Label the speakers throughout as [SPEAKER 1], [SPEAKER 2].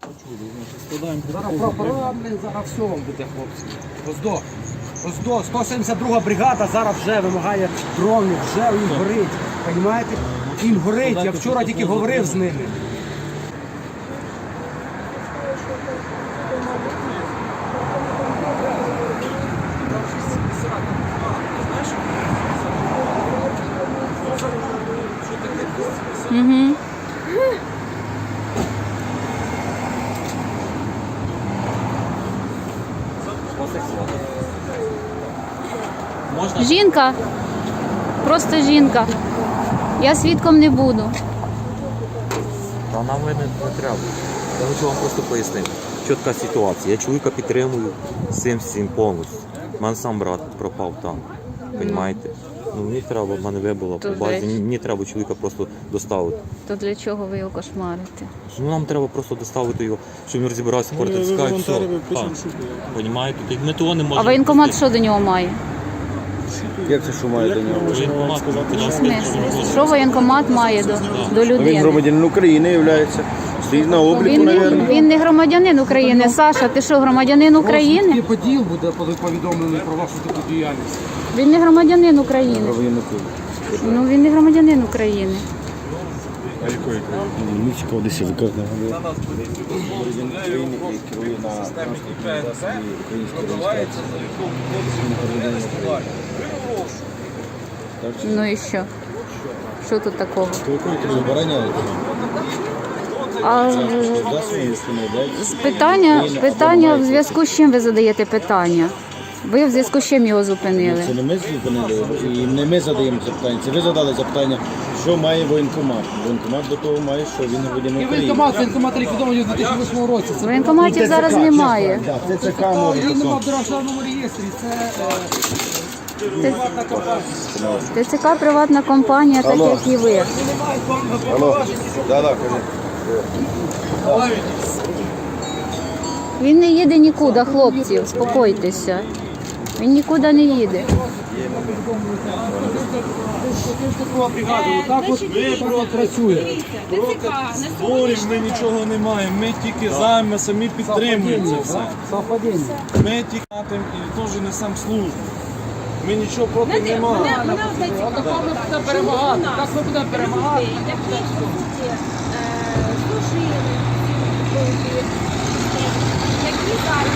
[SPEAKER 1] Зараз прапора, зараз все вам буде, хлопці. Роздо, 172 бригада зараз вже вимагає дронів, вже їм горить. Понімаєте? Їм горить, я вчора тільки говорив з ними.
[SPEAKER 2] Угу. Жінка. Просто жінка. Я свідком не буду.
[SPEAKER 3] Та нам не треба. Я хочу вам просто пояснити. Чітка ситуація. Я чоловіка підтримую всім повністю. У мене сам брат пропав там. Понімаєте? Ну, мені треба, в мене вибило по базі, мені треба чоловіка просто доставити.
[SPEAKER 2] То для чого ви його кошмарите?
[SPEAKER 3] Ну, нам треба просто доставити його, щоб він розібрався, портицькає, все. Понімаєте? Ми того не можемо.
[SPEAKER 2] А воєнкомат що до нього має?
[SPEAKER 4] Як це що має до нього?
[SPEAKER 3] Воєнкомат,
[SPEAKER 2] В смислі? Що воєнкомат має до
[SPEAKER 4] Він
[SPEAKER 2] людини?
[SPEAKER 4] громадянин України є. Стоїть на обліку, мабуть.
[SPEAKER 2] Він не громадянин України. Саша, ти що, громадянин України?
[SPEAKER 1] І поділ буде повідомлений про вашу таку діяльність.
[SPEAKER 2] Він не громадянин України. Ну, він не громадянин України.
[SPEAKER 4] А якої країни? Мексика, Одесі, виказна. Громадянин України і керує на транспортній засобі української реєстрації.
[SPEAKER 2] Ну і що? Що тут такого?
[SPEAKER 4] То якої ти забороняєте?
[SPEAKER 2] А питання в зв'язку з чим ви задаєте питання? Ви в зв'язку з чим його зупинили?
[SPEAKER 4] Це не ми зупинили, і не ми задаємо запитання. Це ви задали запитання, що має воєнкомат. Воєнкомат до того має, що він громадянин
[SPEAKER 1] І
[SPEAKER 4] України.
[SPEAKER 1] воєнкомат ліквідований у 2008 році. Це
[SPEAKER 2] Воєнкоматів зараз немає.
[SPEAKER 4] Так, ТЦК може
[SPEAKER 1] він нема в
[SPEAKER 4] таке.
[SPEAKER 1] державному реєстрі. Це приватна компанія.
[SPEAKER 2] ТЦК приватна компанія, так як і ви.
[SPEAKER 4] Алло, да, кажи.
[SPEAKER 2] Він не їде нікуди, хлопці, успокойтеся. Він нікуди не їде.
[SPEAKER 1] Так от працює.
[SPEAKER 5] Зборів ми нічого не маємо, ми тільки займе, самі підтримуємо це все.
[SPEAKER 1] Совпадіння.
[SPEAKER 5] Ми тільки і теж несемо службу. Ми нічого проти не маємо.
[SPEAKER 1] Так ми будемо перемагати. Так ми будемо перемагати.
[SPEAKER 6] Які зараз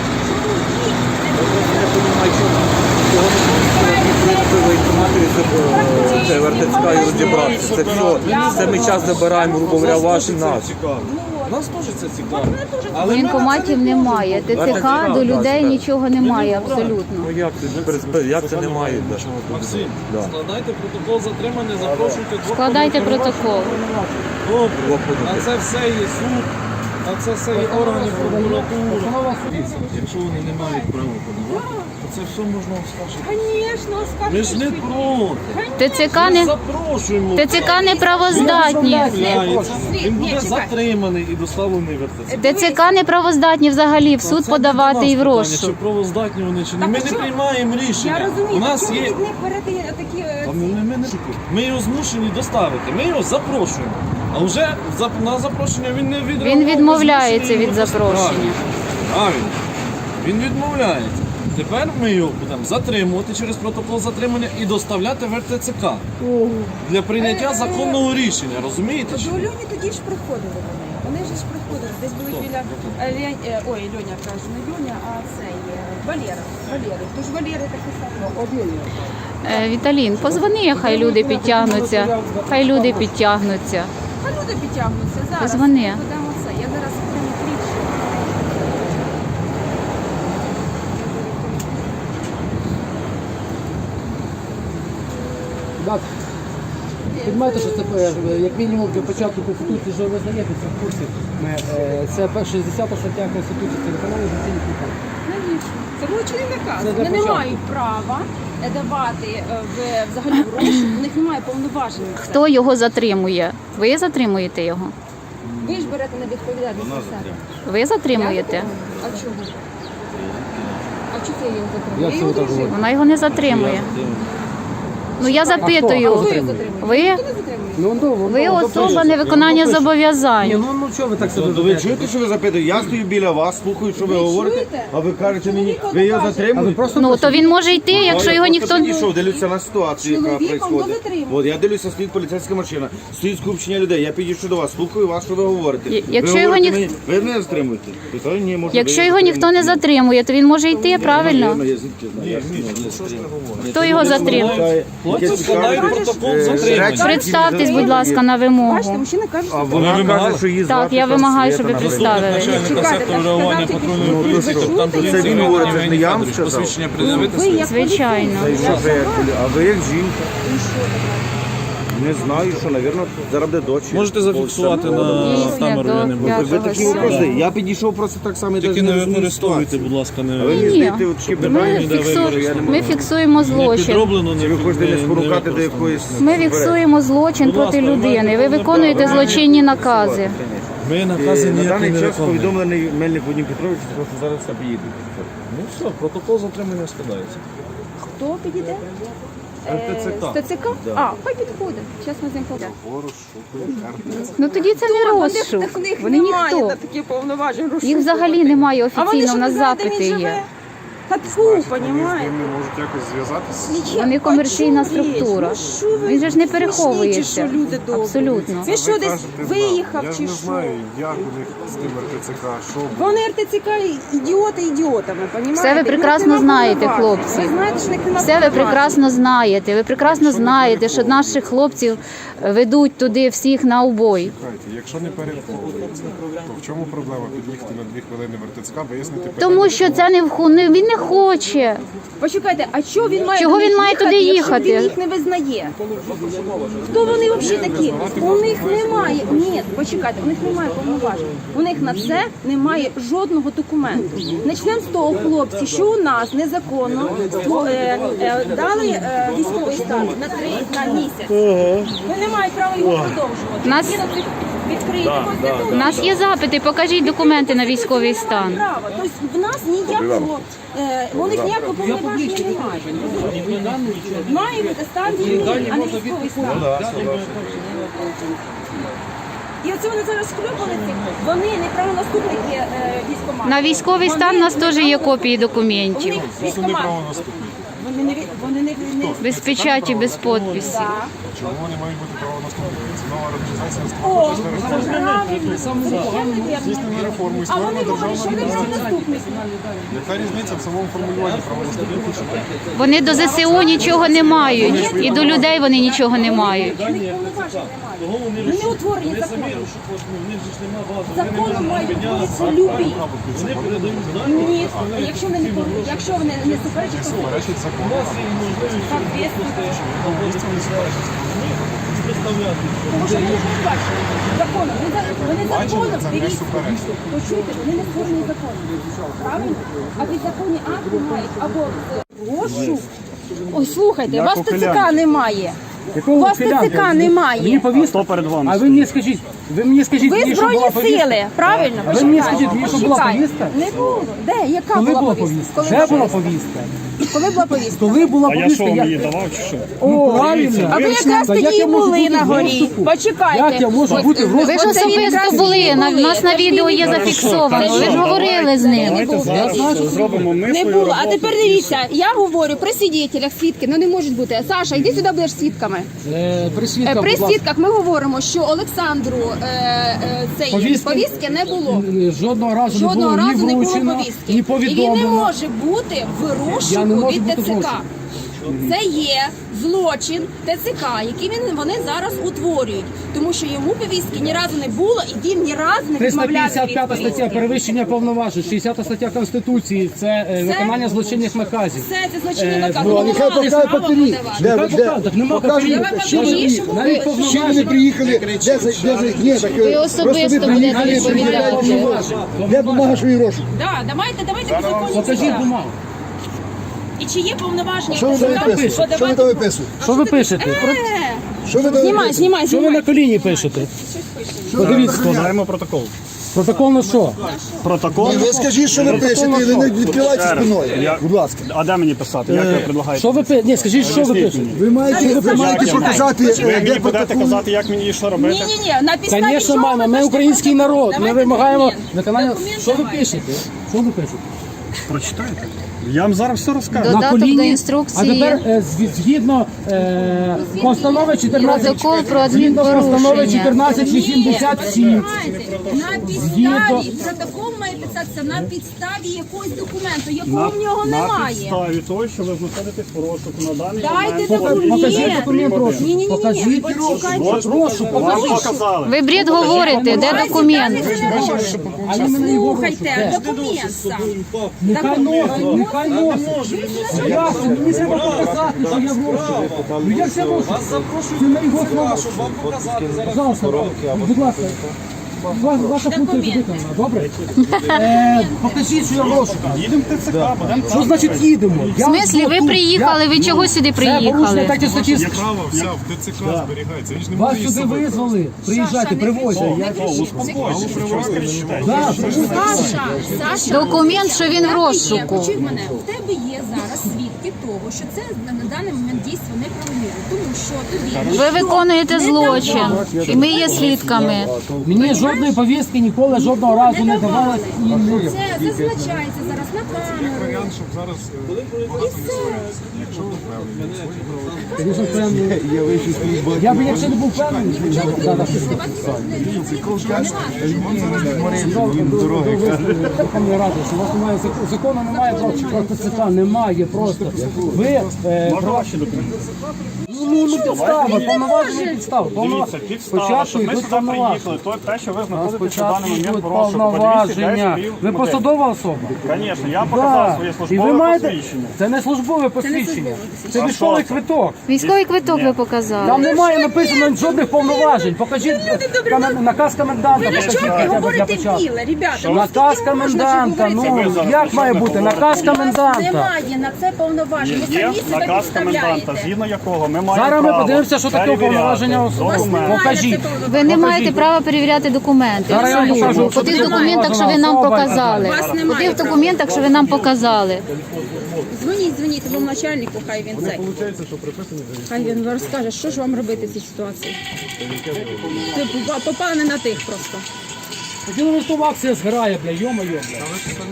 [SPEAKER 3] Це вертицька і розібратися. Це все. Це ми час забираємо, грубо говоря, ваші нас.
[SPEAKER 5] Нас теж це цікаво.
[SPEAKER 2] Воєнкоматів немає. ТЦК до людей нічого немає абсолютно.
[SPEAKER 3] Ну як це немає?
[SPEAKER 5] Максим, складайте протокол затримання, запрошуйте двох.
[SPEAKER 2] Складайте протокол.
[SPEAKER 5] Добре, на це все є суд, на це все є органи прокуратури. Якщо вони не мають права подавати, то це все можна оскаржити.
[SPEAKER 6] Звісно,
[SPEAKER 5] Ми ж не проти.
[SPEAKER 2] ТЦК
[SPEAKER 5] Запрошуємо.
[SPEAKER 2] ТЦК неправоздатні.
[SPEAKER 5] Він буде затриманий і доставлений в РТЦ.
[SPEAKER 2] ТЦК неправоздатні взагалі в суд
[SPEAKER 5] Це
[SPEAKER 2] подавати і в
[SPEAKER 5] питання,
[SPEAKER 2] розшук.
[SPEAKER 5] Чи правоздатні вони, чи ні. Ми не приймаємо
[SPEAKER 6] Я
[SPEAKER 5] рішення.
[SPEAKER 6] розумію,
[SPEAKER 5] У нас
[SPEAKER 6] що
[SPEAKER 5] є...
[SPEAKER 6] від них берете такі...
[SPEAKER 5] Ми його змушені доставити, ми його запрошуємо. А вже на запрошення він не відреагував.
[SPEAKER 2] Він відмовляється
[SPEAKER 5] змушені
[SPEAKER 2] від
[SPEAKER 5] його
[SPEAKER 2] запрошення.
[SPEAKER 5] Правильно. Він відмовляється. Тепер ми його будемо затримувати через протокол затримання і доставляти в РТЦК для прийняття законного рішення. Розумієте?
[SPEAKER 6] До Льоні тоді ж приходили вони. Вони ж приходили. Десь були біля... Ой, Льоня каже, не Льоня, а цей Валера. Тож Валери такі самі.
[SPEAKER 2] Віталін, позвони, хай люди підтягнуться. Хай люди підтягнуться.
[SPEAKER 6] А люди підтягнуться зараз.
[SPEAKER 2] Позвони.
[SPEAKER 6] Будемо це. Я зараз прямо кліпшу.
[SPEAKER 1] Так. Підмайте, що це як мінімум для початку Конституції, що ви знаєте, це в курсі. Це 60 стаття Конституції, це виконання офіційних наказ.
[SPEAKER 6] Навіщо? Це злочинний наказ.
[SPEAKER 1] Це для
[SPEAKER 6] Вони не
[SPEAKER 1] початку.
[SPEAKER 6] мають права давати взагалі гроші, у них немає повноважень.
[SPEAKER 2] Хто його затримує? Ви затримуєте його?
[SPEAKER 6] Ви ж берете на відповідальність на себе.
[SPEAKER 2] Ви затримуєте?
[SPEAKER 6] А чого? А чого це я його затримую?
[SPEAKER 1] Як
[SPEAKER 6] Я
[SPEAKER 1] це
[SPEAKER 6] його
[SPEAKER 1] ви так
[SPEAKER 6] дружина.
[SPEAKER 2] Вона його не затримує. Ну я запитую, ви
[SPEAKER 1] Ви
[SPEAKER 2] особа невиконання
[SPEAKER 1] Ні,
[SPEAKER 2] зобов'язань.
[SPEAKER 1] ну чого ви так себе
[SPEAKER 4] Ви
[SPEAKER 1] ведете?
[SPEAKER 4] чуєте, що ви запитуєте? Я стою біля вас, слухаю, що ви говорите,
[SPEAKER 6] чуєте?
[SPEAKER 4] а ви кажете мені, ви його
[SPEAKER 1] А ви
[SPEAKER 4] затримуєте?
[SPEAKER 1] просто
[SPEAKER 2] Ну то він може йти, якщо його ніхто не.
[SPEAKER 4] підійшов, дивлюся на ситуацію, яка
[SPEAKER 6] Чоловіком
[SPEAKER 4] відбувається.
[SPEAKER 6] до затримання.
[SPEAKER 4] От я дивлюся, стоїть поліцейська машина, стоїть скупчення людей. Я підійшов до вас, слухаю вас, що ви говорите.
[SPEAKER 2] Якщо
[SPEAKER 4] ви
[SPEAKER 2] його
[SPEAKER 4] говорите
[SPEAKER 2] ніх-
[SPEAKER 4] мені, ви мене затримуєте? Питаю, ні, може,
[SPEAKER 2] Якщо
[SPEAKER 4] ви
[SPEAKER 2] його ніхто не
[SPEAKER 4] затримуєте.
[SPEAKER 2] затримує, то він може йти, правильно?
[SPEAKER 4] Навірно, я звідки знаю. Я ж не затримую.
[SPEAKER 2] Хто його затримує?
[SPEAKER 5] Хлопці складають протокол затримання.
[SPEAKER 2] Представтесь, будь ласка, на вимогу.
[SPEAKER 6] Бачите, мужчина каже, що
[SPEAKER 4] Вона каже, що її
[SPEAKER 2] Так,
[SPEAKER 4] звати
[SPEAKER 2] я вимагаю, щоб ви
[SPEAKER 4] Света,
[SPEAKER 2] представили.
[SPEAKER 5] Начальника
[SPEAKER 6] Чекайте,
[SPEAKER 5] сектору
[SPEAKER 6] так
[SPEAKER 5] реагування
[SPEAKER 6] сказав,
[SPEAKER 5] патрульної
[SPEAKER 6] тільки
[SPEAKER 5] поліції,
[SPEAKER 6] що.
[SPEAKER 5] капітан
[SPEAKER 6] Це
[SPEAKER 5] поліції
[SPEAKER 4] він говорить, це
[SPEAKER 5] Євгеній
[SPEAKER 4] не я вам
[SPEAKER 5] Федорович.
[SPEAKER 4] сказав.
[SPEAKER 5] Посвідчення пред'явити.
[SPEAKER 6] ви як
[SPEAKER 2] Звичайно.
[SPEAKER 6] поліцейський.
[SPEAKER 4] Що ви як а ви як жінка? Не знаю, що, навірно, зараз буде дочі.
[SPEAKER 5] Можете зафіксувати на
[SPEAKER 2] Дійсно,
[SPEAKER 5] камеру, я не
[SPEAKER 2] до
[SPEAKER 5] буду.
[SPEAKER 4] Ви
[SPEAKER 2] п'ятого
[SPEAKER 4] такі
[SPEAKER 2] сьомого.
[SPEAKER 4] вопроси. Я підійшов просто так само. і
[SPEAKER 5] Тільки
[SPEAKER 4] навіть
[SPEAKER 5] не
[SPEAKER 4] розумію
[SPEAKER 5] використовуйте,
[SPEAKER 4] ситуацію.
[SPEAKER 5] будь ласка,
[SPEAKER 4] А ви
[SPEAKER 5] не
[SPEAKER 4] мені
[SPEAKER 2] Ні.
[SPEAKER 4] здаєте такі питання,
[SPEAKER 2] Ми фіксуємо
[SPEAKER 5] не
[SPEAKER 2] злочин.
[SPEAKER 5] підроблено,
[SPEAKER 4] чи ви хочете не спонукати до
[SPEAKER 5] використовуйте.
[SPEAKER 4] якоїсь...
[SPEAKER 2] Ми фіксуємо злочин проти людини. Ви виконуєте злочинні накази.
[SPEAKER 5] Ми накази
[SPEAKER 4] На
[SPEAKER 5] ніякі
[SPEAKER 4] даний
[SPEAKER 5] не
[SPEAKER 4] час
[SPEAKER 5] виконуємо.
[SPEAKER 4] повідомлений Мельник Вадим Петрович, що зараз все поїде.
[SPEAKER 5] Ну все, протокол затримання складається.
[SPEAKER 6] Хто підійде?
[SPEAKER 5] РТЦК.
[SPEAKER 6] З ТЦК? А, хай підходить. Зараз ми з ним поговоримо.
[SPEAKER 2] Ну тоді це не розшук.
[SPEAKER 6] В них
[SPEAKER 2] Вони
[SPEAKER 6] немає
[SPEAKER 2] ніхто.
[SPEAKER 6] на такі повноважень
[SPEAKER 2] Їх
[SPEAKER 6] розшукувати.
[SPEAKER 2] взагалі немає
[SPEAKER 6] А вони
[SPEAKER 2] офіційно,
[SPEAKER 6] ж
[SPEAKER 2] у
[SPEAKER 6] не
[SPEAKER 2] нас
[SPEAKER 6] знають, де
[SPEAKER 2] запити
[SPEAKER 6] він
[SPEAKER 2] є.
[SPEAKER 6] живе. Та тьфу, понімаєте?
[SPEAKER 7] можуть якось зв'язатися.
[SPEAKER 6] Нічого.
[SPEAKER 2] Вони комерційна
[SPEAKER 6] Почули,
[SPEAKER 2] структура.
[SPEAKER 6] ну що ви
[SPEAKER 2] Він же ж не
[SPEAKER 6] смішні,
[SPEAKER 2] переховується.
[SPEAKER 6] чи що люди добрі?
[SPEAKER 2] Абсолютно.
[SPEAKER 6] Він що десь виїхав
[SPEAKER 7] Я ж
[SPEAKER 6] чи
[SPEAKER 7] не
[SPEAKER 6] що?
[SPEAKER 7] знаю, як у них з тим РТЦК, що було.
[SPEAKER 6] Вони РТЦК ідіоти ідіотами, понімаєте?
[SPEAKER 2] Все ви прекрасно знаєте, хлопці.
[SPEAKER 6] Ви знаєте, що в них нема
[SPEAKER 2] Все ви
[SPEAKER 6] повноважень.
[SPEAKER 2] прекрасно знаєте. Ви прекрасно знаєте, що наших хлопців ведуть туди всіх на убой.
[SPEAKER 7] Слухайте, якщо не переховується, то в чому проблема під'їхати на 2 хвилини в РТЦК, вияснити питання?
[SPEAKER 2] Тому що це він не хоче.
[SPEAKER 6] Почекайте, а чого він має
[SPEAKER 2] Чого
[SPEAKER 6] до них
[SPEAKER 2] він має туди
[SPEAKER 6] якщо
[SPEAKER 2] їхати?
[SPEAKER 6] Він їх не визнає. Хто вони взагалі такі? У них немає. Ні, почекайте, у них немає повноважень. У них на це немає жодного документу. Начнемо з того, хлопці, що у нас незаконно дали військовий стан на місяць. Ви не маєте права його продовжувати.
[SPEAKER 2] Нас-
[SPEAKER 6] Відкрийте
[SPEAKER 2] У нас є запити, покажіть документи на військовий стан.
[SPEAKER 6] право. Тобто в нас ніякого, у них ніякого повноваження немає. Має бути стан війни, а не військовий стан. І оце вони зараз схлюпалися, вони неправонаступники військкомату.
[SPEAKER 2] На військовий стан у нас теж є копії документів.
[SPEAKER 6] Вони не
[SPEAKER 2] Без печаті, без підписі.
[SPEAKER 6] Так.
[SPEAKER 7] Чому вони мають бути правонаступники? Це нова організація
[SPEAKER 6] О,
[SPEAKER 7] створена
[SPEAKER 6] правильно.
[SPEAKER 7] здійснення реформу і
[SPEAKER 6] А
[SPEAKER 7] створена
[SPEAKER 6] вони говорять, що вони
[SPEAKER 7] державна організація.
[SPEAKER 6] правонаступники.
[SPEAKER 7] Яка різниця в самому формулюванні правонаступників? чи ні?
[SPEAKER 2] Вони до ЗСУ нічого не мають. І до людей вони нічого не мають.
[SPEAKER 6] У них повноважень немає. Вони не утворені законом. Законом мають бути любі. Ні, якщо вони не порушують, якщо вони не суперечать, то
[SPEAKER 7] Суперечить закону.
[SPEAKER 6] так, звісно. Тому що вони не передбачені законом. Вони законом, дивіться, почуйте, вони не створені законом. Правильно? А підзаконні акти мають або розшук. Ой, слухайте, у вас ТЦК немає. У вас ТЦК немає.
[SPEAKER 1] Мені повістка.
[SPEAKER 4] перед вами?
[SPEAKER 1] А ви мені скажіть,
[SPEAKER 6] Ви
[SPEAKER 1] мені, що була
[SPEAKER 6] збройні
[SPEAKER 1] повістка?
[SPEAKER 6] сили, правильно?
[SPEAKER 1] А ви мені скажіть, мені що була
[SPEAKER 6] Почекайте.
[SPEAKER 1] повістка?
[SPEAKER 6] Не було. Де? Яка
[SPEAKER 1] Коли
[SPEAKER 6] була
[SPEAKER 1] була
[SPEAKER 6] повістка?
[SPEAKER 1] повістка? Вже була повістка.
[SPEAKER 6] Коли була повістка?
[SPEAKER 1] Коли була повістка?
[SPEAKER 4] давав чи що?
[SPEAKER 1] Ну, правильно.
[SPEAKER 6] А ви якраз
[SPEAKER 1] Та як
[SPEAKER 6] тоді
[SPEAKER 1] я можу
[SPEAKER 6] були
[SPEAKER 1] бути
[SPEAKER 6] на
[SPEAKER 1] в
[SPEAKER 6] горі.
[SPEAKER 1] розшуку?
[SPEAKER 6] Почекайте.
[SPEAKER 1] Як я можу бути в
[SPEAKER 2] Ви ж
[SPEAKER 1] розшуку?
[SPEAKER 2] особисто були, у нас на відео є зафіксовано. Ви ж говорили з ним.
[SPEAKER 4] Зробимо ми
[SPEAKER 6] Не було. А тепер дивіться, я говорю при свідетелях, свідки, ну не можуть бути. Саша, йди сюди, будеш свідками.
[SPEAKER 1] При свідках,
[SPEAKER 6] При
[SPEAKER 1] будь ласка.
[SPEAKER 6] свідках ми говоримо, що Олександру цієї повістки не було.
[SPEAKER 1] Жодного разу
[SPEAKER 6] Жодного
[SPEAKER 1] не було
[SPEAKER 6] разу
[SPEAKER 1] ні
[SPEAKER 6] не було
[SPEAKER 1] вручено,
[SPEAKER 6] повістки.
[SPEAKER 1] ні
[SPEAKER 6] І він не
[SPEAKER 1] повідомлено.
[SPEAKER 6] може бути в
[SPEAKER 1] Я не
[SPEAKER 6] розшуку
[SPEAKER 1] можу
[SPEAKER 6] від
[SPEAKER 1] бути в
[SPEAKER 6] ТЦК.
[SPEAKER 1] розшуку.
[SPEAKER 6] Це є злочин ТЦК, який вони зараз утворюють. Тому що йому повістки ні разу не було, і він ні разу не відмовлявся від
[SPEAKER 1] 355 стаття
[SPEAKER 6] повістки.
[SPEAKER 1] перевищення повноважень, 60 стаття Конституції це виконання злочинних наказів.
[SPEAKER 6] Все, це злочинний наказ.
[SPEAKER 1] ну,
[SPEAKER 6] Ми не
[SPEAKER 1] нехай
[SPEAKER 6] мали права подавати.
[SPEAKER 1] Нехай покажуть, нема паперів.
[SPEAKER 6] Давай паперів, щоб
[SPEAKER 1] Навіть
[SPEAKER 6] ви-
[SPEAKER 1] повноважень.
[SPEAKER 8] приїхали, ні, так
[SPEAKER 2] Ви особисто будете відповідати.
[SPEAKER 8] де бумага, що і розшук?
[SPEAKER 6] Да, давайте законні
[SPEAKER 1] Покажіть
[SPEAKER 6] підстави.
[SPEAKER 1] бумагу.
[SPEAKER 6] І чи є повноваження
[SPEAKER 8] Що ви там
[SPEAKER 6] ТЦК
[SPEAKER 8] виписуєте? Що ви там
[SPEAKER 6] подавати?
[SPEAKER 8] виписуєте?
[SPEAKER 1] Що ви пишете?
[SPEAKER 8] Що ви там
[SPEAKER 6] Знімай,
[SPEAKER 8] виписуєте?
[SPEAKER 6] знімай,
[SPEAKER 1] Що ви на
[SPEAKER 6] знімай.
[SPEAKER 1] коліні пишете? Подивіться.
[SPEAKER 4] Складаємо протокол.
[SPEAKER 1] Протокол на що?
[SPEAKER 9] Протокол.
[SPEAKER 8] Ви скажіть, що ви пишете, і ви не відкривайте спиною. Будь ласка.
[SPEAKER 9] А де мені писати? Як ви предлагаєте?
[SPEAKER 1] Що ви пишете? Ні, скажіть, що ви пишете?
[SPEAKER 8] Ви маєте показати,
[SPEAKER 9] Ви
[SPEAKER 8] де
[SPEAKER 9] мені будете
[SPEAKER 8] протокол.
[SPEAKER 9] казати, як мені і що робити?
[SPEAKER 6] Ні, на підставі
[SPEAKER 1] Звісно,
[SPEAKER 6] чого
[SPEAKER 1] маємо.
[SPEAKER 6] ви
[SPEAKER 1] Ми
[SPEAKER 6] пишете
[SPEAKER 1] український
[SPEAKER 6] протокол?
[SPEAKER 1] народ. Ми
[SPEAKER 6] Давайте
[SPEAKER 1] вимагаємо
[SPEAKER 6] документ.
[SPEAKER 1] виконання.
[SPEAKER 6] Документ
[SPEAKER 1] Що ви
[SPEAKER 6] давайте.
[SPEAKER 1] пишете? Що ви пишете?
[SPEAKER 9] Прочитайте. Я вам зараз все розкажу.
[SPEAKER 2] Додаток до
[SPEAKER 1] А
[SPEAKER 2] інструкції.
[SPEAKER 1] тепер згідно постанови 14...
[SPEAKER 2] Протокол про
[SPEAKER 1] Згідно постанови
[SPEAKER 2] адмінпорушення.
[SPEAKER 1] 1487.
[SPEAKER 6] На підставі, протокол має писатися на підставі якогось документу, якого в нього
[SPEAKER 9] На
[SPEAKER 6] немає.
[SPEAKER 9] підставі того, що ви знаходитесь в розшуку на даний
[SPEAKER 6] Дайте
[SPEAKER 9] момент.
[SPEAKER 1] Покажіть документ, прошу.
[SPEAKER 6] Ні-ні-ні,
[SPEAKER 1] Покажіть розшук.
[SPEAKER 9] Вам показали.
[SPEAKER 2] Ви бред говорите, де документ?
[SPEAKER 1] А іменно його
[SPEAKER 6] Слухайте,
[SPEAKER 1] розшук.
[SPEAKER 6] документ сам.
[SPEAKER 1] Нехай носить, нехай носить. Ясно, мені треба показати, що я в розшуку. Ну як це розшук? Це на його слова. Пожалуйста, будь ласка. Ваша функція виконана, добре? Покажіть, що я в розшуку.
[SPEAKER 9] Їдемо в ТЦК, будемо
[SPEAKER 1] Що значить їдемо?
[SPEAKER 2] В смислі, ви приїхали, ви чого сюди
[SPEAKER 1] Це порушення
[SPEAKER 2] приїхали?
[SPEAKER 1] так і статті.
[SPEAKER 7] Справа вся в ТЦК зберігається. Він ж не
[SPEAKER 1] Вас
[SPEAKER 7] може її
[SPEAKER 1] сюди
[SPEAKER 7] собі.
[SPEAKER 1] визвали, приїжджайте, привозьте. Да,
[SPEAKER 2] Документ, що він в розшуку.
[SPEAKER 6] Почуй мене, в тебе є зараз свідки того, що це на даний момент дійство неправомірне, тому що тобі
[SPEAKER 2] Ви виконуєте злочин, і ми є свідками.
[SPEAKER 1] Мені жодної повістки ніколи жодного разу не давали і не...
[SPEAKER 6] це зазначається зараз на камеру.
[SPEAKER 7] Варіант, щоб зараз багато не сварилися. Якщо ви впевнені.
[SPEAKER 1] Звісно, впевнений. Я б якщо не був впевнений, Верховної Ради, що у вас немає закону, немає про ТЦК, немає просто. Ви
[SPEAKER 9] Можна ваші документи?
[SPEAKER 1] ну підстави, повноваження підстави.
[SPEAKER 9] Дивіться, підстава,
[SPEAKER 1] Спочатку
[SPEAKER 9] щоб ми
[SPEAKER 1] йдуть
[SPEAKER 9] сюди
[SPEAKER 1] повноваження.
[SPEAKER 9] приїхали, то те, що ви знаходитесь на
[SPEAKER 1] Спочатку
[SPEAKER 9] даний момент
[SPEAKER 1] йдуть
[SPEAKER 9] в розшуку.
[SPEAKER 1] повноваження. Ви посадова особа?
[SPEAKER 9] Звісно, я показав своє
[SPEAKER 1] І ви
[SPEAKER 9] службове
[SPEAKER 1] маєте...
[SPEAKER 9] посвідчення.
[SPEAKER 1] Це не службове посвідчення. Це
[SPEAKER 9] А
[SPEAKER 1] військовий
[SPEAKER 9] що це?
[SPEAKER 1] квиток.
[SPEAKER 2] Військовий квиток ви показали.
[SPEAKER 1] Там немає написано жодних повноважень. Покажіть наказ коменданта.
[SPEAKER 6] Ви на
[SPEAKER 1] Покажіть
[SPEAKER 6] чому
[SPEAKER 1] хоча б для
[SPEAKER 6] говорите
[SPEAKER 1] початку.
[SPEAKER 6] біле, ребята?
[SPEAKER 1] Наказ коменданта. Ну як має бути? Наказ коменданта.
[SPEAKER 6] Немає на це повноваження. Ви
[SPEAKER 9] Є
[SPEAKER 6] самі себе
[SPEAKER 9] наказ коменданта,
[SPEAKER 6] підставляєте.
[SPEAKER 9] згідно якого ми маємо
[SPEAKER 1] Зараз ми
[SPEAKER 9] право
[SPEAKER 1] подивимося, що таке
[SPEAKER 9] перевіряти
[SPEAKER 1] повноваження особи.
[SPEAKER 9] документи.
[SPEAKER 1] Покажіть.
[SPEAKER 2] Ви не маєте права перевіряти документи.
[SPEAKER 1] Зараз я вам покажу, що
[SPEAKER 2] Куди в
[SPEAKER 1] таке
[SPEAKER 2] документах, що ви нам
[SPEAKER 1] повноважена
[SPEAKER 2] показали?
[SPEAKER 6] Вас немає
[SPEAKER 2] Куди в
[SPEAKER 6] права.
[SPEAKER 2] документах, що ви нам показали?
[SPEAKER 6] Дзвоніть своєму начальнику, хай він цей. Хай він розкаже, що ж вам робити в цій ситуації. Ви попали не на тих просто.
[SPEAKER 1] Хотіли листова акція згорає, бля, йо-моє, бля.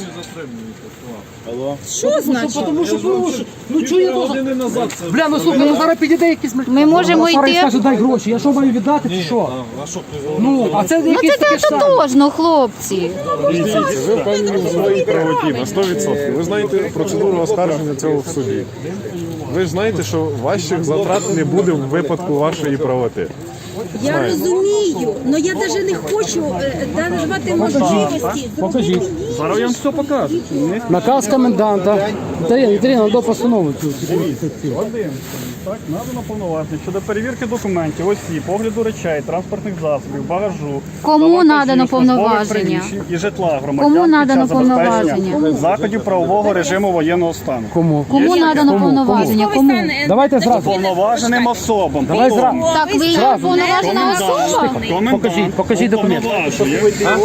[SPEAKER 6] Що значить?
[SPEAKER 1] Тому що, ну чує дуже. Бля, ну слухай, ну зараз підійде якийсь...
[SPEAKER 2] Ми можемо
[SPEAKER 1] Зараз
[SPEAKER 2] йти.
[SPEAKER 1] скаже, дай гроші, я що маю віддати, чи що? Ну, а це
[SPEAKER 2] Ну
[SPEAKER 1] якийсь
[SPEAKER 2] це
[SPEAKER 1] такий
[SPEAKER 2] так
[SPEAKER 1] штат.
[SPEAKER 2] тотожно, хлопці.
[SPEAKER 7] Ви впевнені в своїй правоті на 100%. Ви знаєте процедуру оскарження цього в суді. Ви ж знаєте, що ваших затрат не буде в випадку вашої правоти.
[SPEAKER 6] Я розумію, але я навіть не хочу давати можливості.
[SPEAKER 1] Покажіть.
[SPEAKER 9] Зараз я вам все покажу.
[SPEAKER 1] Наказ коменданта. Ірина, до постанови цю.
[SPEAKER 9] Так, надано повноваження щодо перевірки документів, осіб, огляду речей, транспортних засобів, багажу,
[SPEAKER 2] Кому
[SPEAKER 9] вантажів,
[SPEAKER 2] надано
[SPEAKER 9] службових
[SPEAKER 2] повноваження?
[SPEAKER 9] приміщень і житла громадян
[SPEAKER 2] Кому
[SPEAKER 9] під
[SPEAKER 2] надано
[SPEAKER 9] час забезпечення
[SPEAKER 2] повноваження?
[SPEAKER 9] заходів правового режиму воєнного стану.
[SPEAKER 1] Кому?
[SPEAKER 2] Кому надано повноваження? Кому?
[SPEAKER 1] Давайте зразу.
[SPEAKER 9] Повноваженим особам.
[SPEAKER 1] Давай
[SPEAKER 9] Потім
[SPEAKER 1] зразу.
[SPEAKER 2] Так, ви є уповноважена особа?
[SPEAKER 9] комендант
[SPEAKER 1] Покажіть документ.
[SPEAKER 9] уповноважує.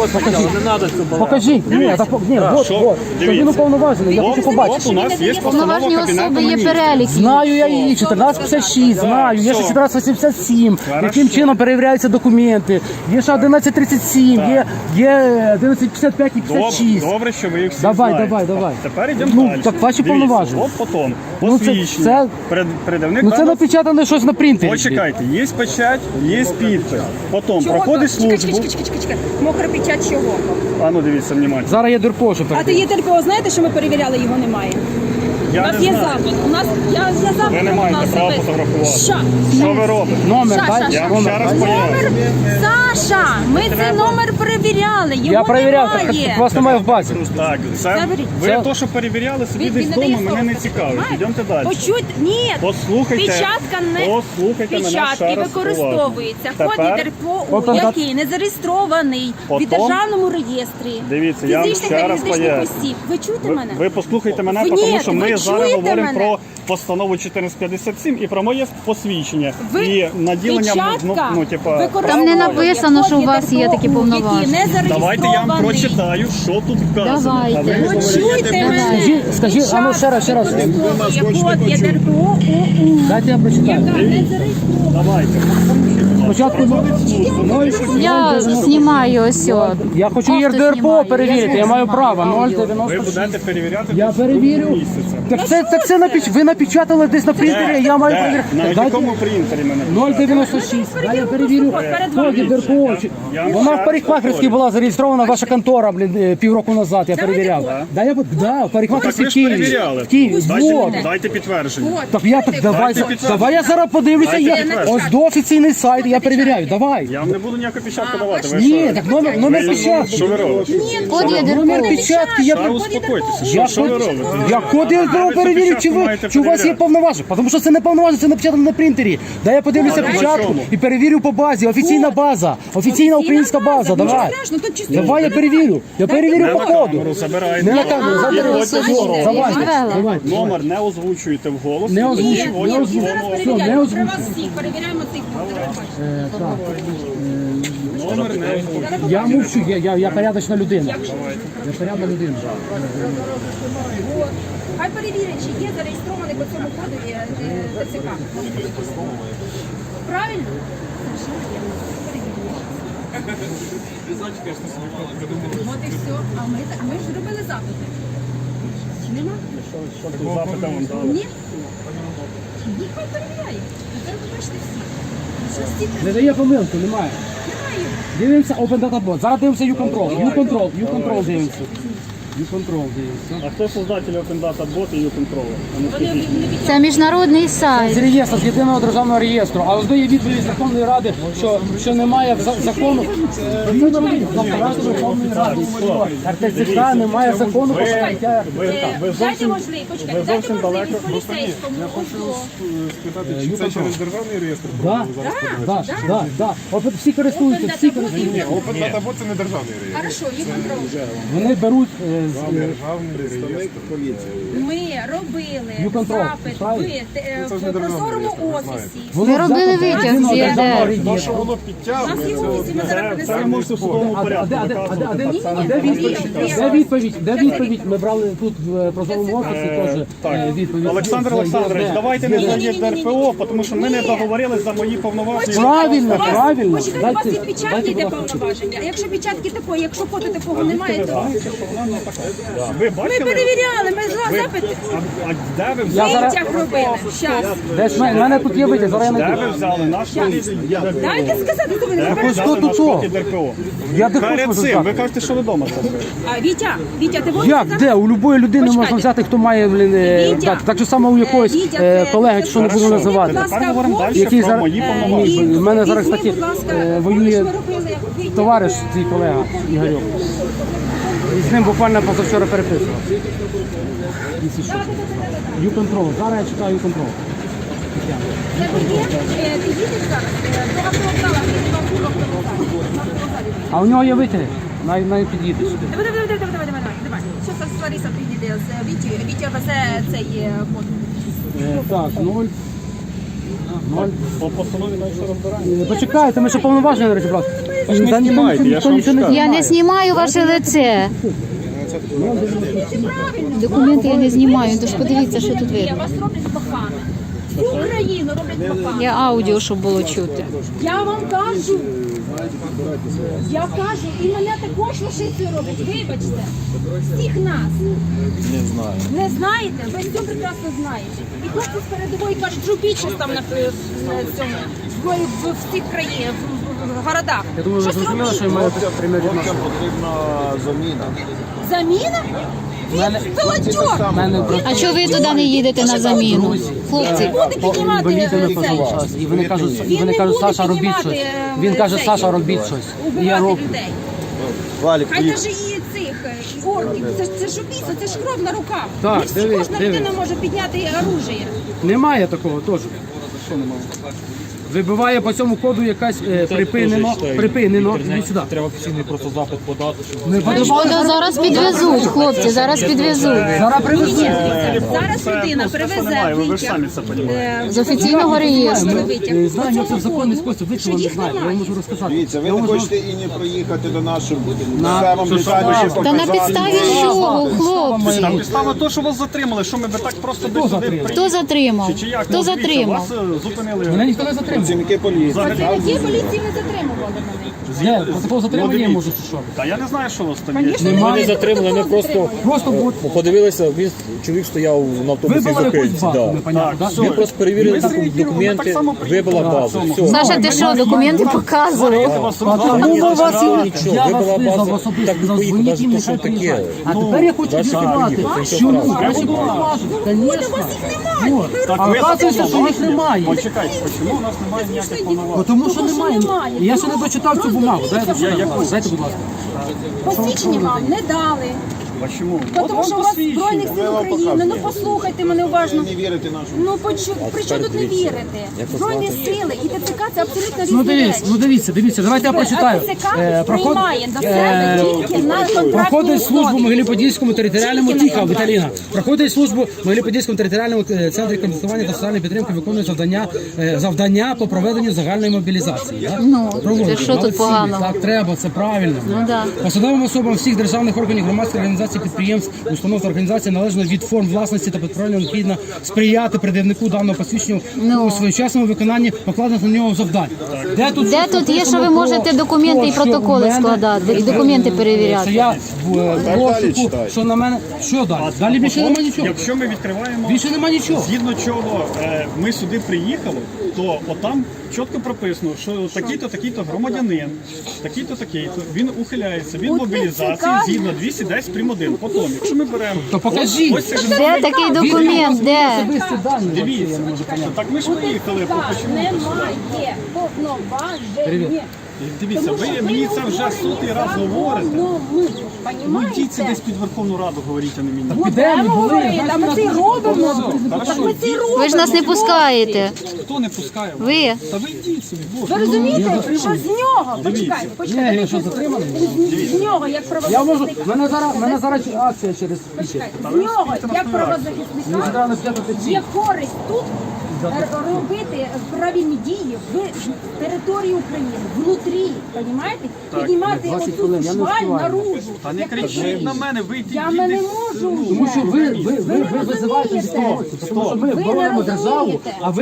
[SPEAKER 1] Покажіть. Ні, так, ні, от,
[SPEAKER 9] що?
[SPEAKER 1] от. Що він уповноважений, я хочу
[SPEAKER 9] От у
[SPEAKER 1] побачити.
[SPEAKER 9] нас є постанова
[SPEAKER 2] Уповноважені
[SPEAKER 9] Кабінету
[SPEAKER 2] особи є
[SPEAKER 9] Міністрів.
[SPEAKER 2] перелік.
[SPEAKER 1] Знаю я її, 1456, знаю, є ще 1487, яким чином перевіряються документи, є ще 1137, є 1155 і 56.
[SPEAKER 9] Добре, що ви їх всі
[SPEAKER 1] Давай,
[SPEAKER 9] знаєте.
[SPEAKER 1] давай.
[SPEAKER 9] Тепер йдемо
[SPEAKER 1] Ну,
[SPEAKER 9] далі.
[SPEAKER 1] так ваші
[SPEAKER 9] Дивіться,
[SPEAKER 1] повноваження.
[SPEAKER 9] От потім
[SPEAKER 1] Ну, це-
[SPEAKER 9] посвідчення.
[SPEAKER 1] це-
[SPEAKER 9] Передавник
[SPEAKER 1] Ну це
[SPEAKER 9] даних-
[SPEAKER 1] напечатане щось на принтері.
[SPEAKER 9] Почекайте, є печать, є підпис. Потім проходить службу.
[SPEAKER 6] Чекай. Мокра печать чого?
[SPEAKER 9] А ну дивіться внимательно.
[SPEAKER 1] Зараз я дурко, що
[SPEAKER 6] А то є ТРПО, знаєте, що ми перевіряли, його немає? У
[SPEAKER 9] Я
[SPEAKER 6] нас
[SPEAKER 9] не
[SPEAKER 6] є
[SPEAKER 9] знаю.
[SPEAKER 6] запит. У нас я запит.
[SPEAKER 9] Ви не
[SPEAKER 6] у
[SPEAKER 9] маєте
[SPEAKER 6] нас
[SPEAKER 9] права
[SPEAKER 6] запит.
[SPEAKER 9] фотографувати.
[SPEAKER 6] Що?
[SPEAKER 9] Що ви робите?
[SPEAKER 1] Номер,
[SPEAKER 6] Ша,
[SPEAKER 1] дай.
[SPEAKER 6] ша, ша.
[SPEAKER 9] Я вам ще раз поясню.
[SPEAKER 6] Номер, Саша, ми цей номер перевіряли, його
[SPEAKER 1] Я перевіряв,
[SPEAKER 6] немає.
[SPEAKER 1] так вас немає в базі.
[SPEAKER 9] Так, це
[SPEAKER 6] Заберіть.
[SPEAKER 9] ви
[SPEAKER 1] Це-
[SPEAKER 9] то, що перевіряли собі
[SPEAKER 6] Він
[SPEAKER 9] десь
[SPEAKER 6] не дає
[SPEAKER 9] вдома, мене не цікавить.
[SPEAKER 6] Знаєте?
[SPEAKER 9] Йдемте далі.
[SPEAKER 6] Почуйте, ні,
[SPEAKER 9] Послухайте,
[SPEAKER 6] печатка не
[SPEAKER 9] послухайте мене ще
[SPEAKER 6] печатки
[SPEAKER 9] раз
[SPEAKER 6] використовується.
[SPEAKER 9] уважно.
[SPEAKER 6] Код
[SPEAKER 9] Тепер
[SPEAKER 6] ЄДРПО,
[SPEAKER 1] Потім-
[SPEAKER 6] який не зареєстрований в
[SPEAKER 9] Потім-
[SPEAKER 6] державному реєстрі.
[SPEAKER 9] Дивіться, я вам
[SPEAKER 6] фізичних
[SPEAKER 9] ще
[SPEAKER 6] та
[SPEAKER 9] раз
[SPEAKER 6] юридичних
[SPEAKER 9] поясню.
[SPEAKER 6] осіб. Ви чуєте мене?
[SPEAKER 9] Ви послухайте мене,
[SPEAKER 6] Ви
[SPEAKER 9] тому
[SPEAKER 6] ні,
[SPEAKER 9] що
[SPEAKER 6] ви
[SPEAKER 9] ми
[SPEAKER 6] чуєте
[SPEAKER 9] зараз
[SPEAKER 6] чуєте
[SPEAKER 9] говоримо
[SPEAKER 6] мене?
[SPEAKER 9] про постанову 1457 і про моє посвідчення.
[SPEAKER 6] Ви
[SPEAKER 9] І наділення,
[SPEAKER 6] печатка
[SPEAKER 9] типа,
[SPEAKER 6] використовує
[SPEAKER 2] Там не написано, що у вас є такі
[SPEAKER 6] ДРПО,
[SPEAKER 2] повноваження.
[SPEAKER 6] який не
[SPEAKER 9] давайте я вам
[SPEAKER 6] зареєстрований.
[SPEAKER 9] прочитаю, що тут вказано.
[SPEAKER 2] Давайте.
[SPEAKER 9] А ви
[SPEAKER 6] Почуйте мене.
[SPEAKER 1] Скажіть, а ну ще раз.
[SPEAKER 6] Використовує код ЄДРПО ОУ.
[SPEAKER 1] Дайте я прочитаю.
[SPEAKER 6] Яка не зареєстрована.
[SPEAKER 9] давайте.
[SPEAKER 1] Спочатку
[SPEAKER 2] Я знімаю ось.
[SPEAKER 1] я хочу
[SPEAKER 2] Просто
[SPEAKER 1] ЄРДРПО
[SPEAKER 2] знімаю.
[SPEAKER 1] перевірити, я маю право.
[SPEAKER 9] Ви
[SPEAKER 1] 0,96.
[SPEAKER 9] будете перевіряти
[SPEAKER 1] Я
[SPEAKER 9] тут
[SPEAKER 1] перевірю.
[SPEAKER 9] місяця.
[SPEAKER 1] Так це ви напечатали десь на принтері, я маю перевірити.
[SPEAKER 9] На
[SPEAKER 1] Дайте
[SPEAKER 9] якому принтері мене?
[SPEAKER 1] 0,96. Дай я перевірю. Код ЄРДРПО. Вона в парикмахерській була зареєстрована, ваша контора, півроку назад, я перевіряв. Да, в
[SPEAKER 9] Так
[SPEAKER 1] парикмахерській
[SPEAKER 9] ви ж
[SPEAKER 1] Києві.
[SPEAKER 9] перевіряли.
[SPEAKER 1] В Києві. Вот.
[SPEAKER 9] Дайте підтвердження.
[SPEAKER 1] Так я так давай я зараз подивлюся. Ось до офіційний сайт, я перевіряю. Давай.
[SPEAKER 9] Я вам не буду ніяку печатку давати. Ви
[SPEAKER 1] Ні,
[SPEAKER 9] що?
[SPEAKER 1] так номер печатки.
[SPEAKER 9] Що ви робите?
[SPEAKER 2] Код
[SPEAKER 1] Номер
[SPEAKER 2] ЄДРПО.
[SPEAKER 1] печатки я
[SPEAKER 9] Та успокойтеся.
[SPEAKER 1] Я
[SPEAKER 9] Що ви робите?
[SPEAKER 1] код ЄРДРПО перевірю, чи у вас є повноваження. Тому що це не повноваження, це напечатано на принтері. Дай я подивлюся
[SPEAKER 9] на
[SPEAKER 1] печатку
[SPEAKER 9] чому?
[SPEAKER 1] і перевірю по базі. Офіційна база. Офіційна українська база. Давай. Давай я перевірю. Я перевірю по коду.
[SPEAKER 9] Камеру забирайте.
[SPEAKER 1] Не на камеру, забери. Давай. Давай.
[SPEAKER 9] Номер не озвучуєте вголос.
[SPEAKER 1] Не озвучую.
[SPEAKER 9] І ось
[SPEAKER 6] Зараз
[SPEAKER 9] воно.
[SPEAKER 6] перевіряємо.
[SPEAKER 1] не
[SPEAKER 6] При
[SPEAKER 1] озвучую.
[SPEAKER 6] вас всіх перевіряємо цих
[SPEAKER 9] Номер не озвучуєте.
[SPEAKER 1] Я мовчу, я порядочна людина. Я порядна людина.
[SPEAKER 6] Хай перевірять, чи є зареєстрований по цьому кодові ТЦК. Правильно? От і все. А ми ж робили запити. Чи нема?
[SPEAKER 9] Запита вам дали.
[SPEAKER 6] Ні? Ні, хай перевіряє. Тепер ви бачите всі. Що всі
[SPEAKER 1] Не дає помилки, немає.
[SPEAKER 6] немає.
[SPEAKER 1] Дивимося Open Data Bot. Зараз дивимося U-Control. U-Control дивимося. U-Control дивимося.
[SPEAKER 9] А хто создатель Open Data Bot і U-Control? А ну скажіть.
[SPEAKER 2] Це міжнародний
[SPEAKER 1] З
[SPEAKER 2] сайт.
[SPEAKER 1] реєстру, з єдиного державного реєстру. А ось є відповідь Верховної Ради, що немає закону. Апарату Верховної Ради. РТЦК немає закону про прийняття.
[SPEAKER 9] Ви
[SPEAKER 6] Дайте можливість, почекайте, дайте
[SPEAKER 9] зовсім далеко.
[SPEAKER 6] можливість поліцейському.
[SPEAKER 7] Спитати, чи це через державний реєстр?
[SPEAKER 1] Да. От всі користуються, всі користуються.
[SPEAKER 7] Ні, Open Data Bot це не державний реєстр.
[SPEAKER 6] Хорошо, є контроль.
[SPEAKER 1] Вони беруть
[SPEAKER 7] Державний реєстр.
[SPEAKER 6] Ми робили
[SPEAKER 1] U-Control,
[SPEAKER 6] запит
[SPEAKER 1] правильно?
[SPEAKER 6] в прозорому офісі.
[SPEAKER 2] Ми робили витяг з ЄРДР.
[SPEAKER 7] То, що воно
[SPEAKER 6] У нас
[SPEAKER 7] підтягує,
[SPEAKER 6] є в офісі, ми зараз
[SPEAKER 9] Це
[SPEAKER 6] принесемо.
[SPEAKER 9] можете в судовому порядку
[SPEAKER 1] Де
[SPEAKER 9] доказувати.
[SPEAKER 1] відповідь? Де відповідь? Ми брали тут в прозорому офісі теж відповідь.
[SPEAKER 9] Олександр Олександрович, давайте не за ЄРДРПО, тому що ми не договорились за мої повноваження.
[SPEAKER 1] Правильно,
[SPEAKER 6] У вас-
[SPEAKER 1] правильно.
[SPEAKER 6] Почекайте, у вас
[SPEAKER 1] Дайте-
[SPEAKER 6] і печатки
[SPEAKER 1] дайте,
[SPEAKER 6] йде
[SPEAKER 1] будь ласка.
[SPEAKER 6] повноваження. А якщо печатки такої, якщо фото такого немає, то
[SPEAKER 9] Ви
[SPEAKER 6] ми
[SPEAKER 9] бачили?
[SPEAKER 6] перевіряли, ми з запити.
[SPEAKER 9] А де ви
[SPEAKER 1] Я
[SPEAKER 9] взяли?
[SPEAKER 1] зараз-
[SPEAKER 6] Витяг робили. Щас.
[SPEAKER 1] Десь в мене тут є витяг, зараз я
[SPEAKER 9] Де
[SPEAKER 1] не
[SPEAKER 9] ви взяли наш
[SPEAKER 6] Дайте сказати, хто ви не
[SPEAKER 9] Де ви
[SPEAKER 1] Ось
[SPEAKER 9] взяли
[SPEAKER 1] тут
[SPEAKER 9] наш
[SPEAKER 1] то.
[SPEAKER 9] код ЄРДРПО?
[SPEAKER 1] Я де
[SPEAKER 9] Перед
[SPEAKER 1] хочу
[SPEAKER 9] цим,
[SPEAKER 1] сказати.
[SPEAKER 9] ви кажете, що ви вдома це.
[SPEAKER 6] А, Вітя, ти будеш
[SPEAKER 1] Як,
[SPEAKER 6] сказати?
[SPEAKER 1] де? У будь-якої людини
[SPEAKER 6] Почекайте.
[SPEAKER 1] можна взяти, хто має,
[SPEAKER 6] Вітя,
[SPEAKER 1] так же само у якогось
[SPEAKER 6] Вітя, це-
[SPEAKER 1] колеги, що не буду
[SPEAKER 6] Хорошо.
[SPEAKER 1] називати.
[SPEAKER 6] Будь ласка,
[SPEAKER 9] Тепер говоримо далі
[SPEAKER 1] Який
[SPEAKER 9] про
[SPEAKER 1] зараз-
[SPEAKER 9] мої
[SPEAKER 1] Ні,
[SPEAKER 9] повноваження.
[SPEAKER 1] в мене зараз,
[SPEAKER 6] Візьми,
[SPEAKER 1] кстати,
[SPEAKER 6] будь ласка,
[SPEAKER 1] воює
[SPEAKER 6] помниш, ми робили витяг?
[SPEAKER 1] товариш, твій колега Ігорьов. І з ним буквально позавчора переписував. U-Control. Зараз я читаю U-Control.
[SPEAKER 6] Це ти є? Ти їдеш зараз до автовокзала, ти до автовокзалу.
[SPEAKER 1] А у нього є витяг. Навіть під'їде сюди.
[SPEAKER 6] Давай. Що це Лариса приїде з Вітєю? Вітя везе цей код.
[SPEAKER 1] Так, 0.
[SPEAKER 9] По постанові далі розбираємо.
[SPEAKER 1] Почекайте, ми ще повноваження не розібрали.
[SPEAKER 9] не знімайте, я ж вам
[SPEAKER 1] нічого не
[SPEAKER 9] скажу.
[SPEAKER 2] Я не знімаю ваше лице. Документи я не знімаю, тож подивіться, що тут
[SPEAKER 6] Ні,
[SPEAKER 2] видно.
[SPEAKER 6] вас роблять погано. Всю Україну роблять погано.
[SPEAKER 2] Я аудіо, щоб було чути.
[SPEAKER 6] Я вам кажу. Я кажу, і мене також лошицею роблять. Вибачте. Всіх нас.
[SPEAKER 5] Не знаю.
[SPEAKER 6] Не знаєте? Ви все прекрасно знаєте. І хлопці з передової кажуть, що більшість там на цьому в цих країнах, в городах.
[SPEAKER 1] Я думаю, ви
[SPEAKER 6] Щось
[SPEAKER 1] зрозуміли,
[SPEAKER 6] робіть.
[SPEAKER 1] що я маю прямі відношення.
[SPEAKER 5] Потрібна заміна.
[SPEAKER 6] Заміна? Пилотьок!
[SPEAKER 2] А чого ви туди не їдете на заміну? Хлопці,
[SPEAKER 6] Буде піднімати
[SPEAKER 1] Інвалідами
[SPEAKER 6] цей.
[SPEAKER 1] час. І вони кажуть,
[SPEAKER 6] Він
[SPEAKER 1] вони
[SPEAKER 6] не
[SPEAKER 1] кажуть,
[SPEAKER 6] буде
[SPEAKER 1] Саша, робіть
[SPEAKER 6] піднімати,
[SPEAKER 1] щось. Він каже,
[SPEAKER 6] цей,
[SPEAKER 1] Саша, робіть щось. І я
[SPEAKER 6] Убивати
[SPEAKER 1] роблю.
[SPEAKER 6] людей.
[SPEAKER 5] Валік,
[SPEAKER 6] Хай навіть і цих і орків. Це ж убійство, це ж кров на руках.
[SPEAKER 1] Так,
[SPEAKER 6] Не всі,
[SPEAKER 1] дивись,
[SPEAKER 6] кожна
[SPEAKER 1] дивись.
[SPEAKER 6] людина може підняти оружие.
[SPEAKER 1] Немає такого теж. Вибиває по цьому коду якась припинено. Іди сюди.
[SPEAKER 7] Треба офіційний просто запит подати, щоб
[SPEAKER 1] Ми подавали.
[SPEAKER 2] Та зараз підвезуть, хлопці, зараз підвезуть.
[SPEAKER 1] Зараз привезуть.
[SPEAKER 6] Зараз людина привезе
[SPEAKER 9] Ви ж самі
[SPEAKER 6] витяг.
[SPEAKER 9] це розумієте.
[SPEAKER 2] З офіційного реєстру.
[SPEAKER 1] Знаю, як це в законний спосіб, ви чого не знаєте, я вам можу розказати.
[SPEAKER 8] Дивіться, ви
[SPEAKER 1] Я
[SPEAKER 8] не
[SPEAKER 1] можу-
[SPEAKER 8] хочете і не проїхати до нашого місцевому деталі,
[SPEAKER 2] Та на підставі чого, хлопці?
[SPEAKER 9] Там підстава то, що вас затримали, що ми би так просто десь сюди
[SPEAKER 1] затримав?
[SPEAKER 2] Хто затримав?
[SPEAKER 9] Чи як?
[SPEAKER 2] Хто
[SPEAKER 9] Ну, дивіться,
[SPEAKER 2] затримав?
[SPEAKER 9] Вас зупинили.
[SPEAKER 1] Мене ніхто не затримав.
[SPEAKER 8] працівники поліції.
[SPEAKER 6] Працівники поліції не затримували мене.
[SPEAKER 1] Я протокол затримання
[SPEAKER 9] дивіться.
[SPEAKER 1] можу, чи що?
[SPEAKER 9] Та я не знаю, що у вас там є.
[SPEAKER 6] Звісно,
[SPEAKER 3] Ми
[SPEAKER 6] немає
[SPEAKER 3] не затримали, ми
[SPEAKER 6] протоколу
[SPEAKER 3] просто
[SPEAKER 1] Просто
[SPEAKER 3] подивилися, він чоловік стояв на автобусі
[SPEAKER 1] вибила якусь
[SPEAKER 3] зупинці.
[SPEAKER 1] базу,
[SPEAKER 3] Да.
[SPEAKER 1] непонятно,
[SPEAKER 9] Так,
[SPEAKER 1] да?
[SPEAKER 9] все.
[SPEAKER 3] Він просто перевірив
[SPEAKER 9] Ми зреагували,
[SPEAKER 3] документи,
[SPEAKER 9] так само
[SPEAKER 3] вибила
[SPEAKER 9] приїхали.
[SPEAKER 3] базу.
[SPEAKER 9] Так,
[SPEAKER 3] Все.
[SPEAKER 2] Саша, ти що, документи показував?
[SPEAKER 1] А тому ми вас і
[SPEAKER 3] Нічого,
[SPEAKER 1] я вас
[SPEAKER 3] вибила
[SPEAKER 1] визвав
[SPEAKER 3] базу.
[SPEAKER 1] особисто,
[SPEAKER 3] Так,
[SPEAKER 1] сказав,
[SPEAKER 3] поїхав,
[SPEAKER 1] дзвоніть їм,
[SPEAKER 3] навіть
[SPEAKER 1] нехай
[SPEAKER 3] то, що таке.
[SPEAKER 1] приїжджають. А тепер я хочу
[SPEAKER 3] Дальше
[SPEAKER 1] з'ясувати,
[SPEAKER 3] приїхав,
[SPEAKER 1] що
[SPEAKER 3] нічого
[SPEAKER 1] краще
[SPEAKER 3] страшного.
[SPEAKER 1] поважно. Звісно. Вот.
[SPEAKER 9] Так,
[SPEAKER 1] А
[SPEAKER 9] ви
[SPEAKER 1] оказується, що їх немає.
[SPEAKER 9] Почекайте, чому у нас немає ніяких повноважень?
[SPEAKER 1] Тому що
[SPEAKER 6] Тому що
[SPEAKER 1] немає.
[SPEAKER 6] немає.
[SPEAKER 1] Я ще не дочитав цю бумагу. Дайте, дайте, будь ласка.
[SPEAKER 6] Посвідчення вам не дали.
[SPEAKER 9] А чому?
[SPEAKER 6] Тому що у вас Збройних сил України. Ну послухайте мене уважно.
[SPEAKER 8] Не вірите нашому.
[SPEAKER 6] Ну при чому тут не вірите? Збройні сили і ТЦК це абсолютно
[SPEAKER 1] Ну
[SPEAKER 6] різні речі.
[SPEAKER 1] дивіться, давайте я прочитаю.
[SPEAKER 6] А ТЦК приймає до себе тільки на контрактній
[SPEAKER 1] Проходить службу в
[SPEAKER 6] основі.
[SPEAKER 1] Могилі-Подільському територіальному
[SPEAKER 6] Тільки на
[SPEAKER 1] тихо,
[SPEAKER 6] контракт.
[SPEAKER 1] Віталіна. Проходить службу в Могилі-Подільському територіальному центрі консультування та соціальної підтримки, виконує завдання по проведенню загальної мобілізації. Да?
[SPEAKER 2] Ну,
[SPEAKER 1] Проводить.
[SPEAKER 2] це що тут
[SPEAKER 1] Молодці.
[SPEAKER 2] поганого?
[SPEAKER 1] Так треба, це правильно.
[SPEAKER 2] Ну да.
[SPEAKER 1] Посадовим особам всіх державних органів, громадських організацій, підприємств, установ та організацій належно від форм власності та підправлення необхідно сприяти придивнику даного посвідчення у своєчасному виконанні покладених на нього завдань.
[SPEAKER 2] Де тут є, що ви можете документи і протоколи складати, і документи
[SPEAKER 1] Що
[SPEAKER 2] перевіряти?
[SPEAKER 1] я в розшуку, що на мене. Що далі? Далі більше нема нічого.
[SPEAKER 9] Якщо ми відкриваємо,
[SPEAKER 1] Більше нема нічого.
[SPEAKER 9] згідно чого ми сюди приїхали, то отам чітко прописано, що такий-то, такий-то громадянин, такий-то, такий-то, він ухиляється від
[SPEAKER 6] У
[SPEAKER 9] мобілізації
[SPEAKER 6] ТЦК
[SPEAKER 9] згідно 210 прим. 1. Потім, якщо ми беремо...
[SPEAKER 1] То покажіть.
[SPEAKER 9] Ось це ж
[SPEAKER 2] Де такий документ? Де?
[SPEAKER 1] Особисті дані.
[SPEAKER 9] дивіться. Так ми ж виїхали, чому?
[SPEAKER 6] Немає повноважень.
[SPEAKER 9] Дивіться, ви мені це вже сотий раз говорите.
[SPEAKER 6] Ну, ми,
[SPEAKER 9] Ну йдіть це
[SPEAKER 6] понімаєте?
[SPEAKER 9] десь під Верховну Раду, говоріть, а не мені.
[SPEAKER 1] Підемо, були.
[SPEAKER 6] Говорити, а ми це й робимо. Так ми це й робимо.
[SPEAKER 2] Ви ж нас не пускаєте.
[SPEAKER 9] Хто не пускає?
[SPEAKER 2] Ви.
[SPEAKER 9] Та ви йдіть собі, боже.
[SPEAKER 6] Ви розумієте, що з нього, почекайте,
[SPEAKER 1] Ні,
[SPEAKER 6] почекайте,
[SPEAKER 1] я що, затриманий?
[SPEAKER 6] з нього, як
[SPEAKER 1] Я можу,
[SPEAKER 6] правозахисника,
[SPEAKER 1] мене зараз акція через пічі.
[SPEAKER 6] з нього, як правозахисника, є користь тут робити правильні дії в території України, внутрі, розумієте? Піднімати
[SPEAKER 1] 20
[SPEAKER 6] оцю
[SPEAKER 1] хвилин, я не
[SPEAKER 6] шваль
[SPEAKER 1] встигаю.
[SPEAKER 6] наружу.
[SPEAKER 9] Та не
[SPEAKER 6] як
[SPEAKER 9] кричіть
[SPEAKER 6] потрібно.
[SPEAKER 9] на мене, ви йдіть.
[SPEAKER 6] Я не можу вже.
[SPEAKER 1] Тому що ви
[SPEAKER 6] не
[SPEAKER 1] визиваєте
[SPEAKER 6] розумієте.
[SPEAKER 1] ситуацію, тому що ми
[SPEAKER 6] Ви не
[SPEAKER 1] боронимо державу,
[SPEAKER 6] розумієте.
[SPEAKER 1] а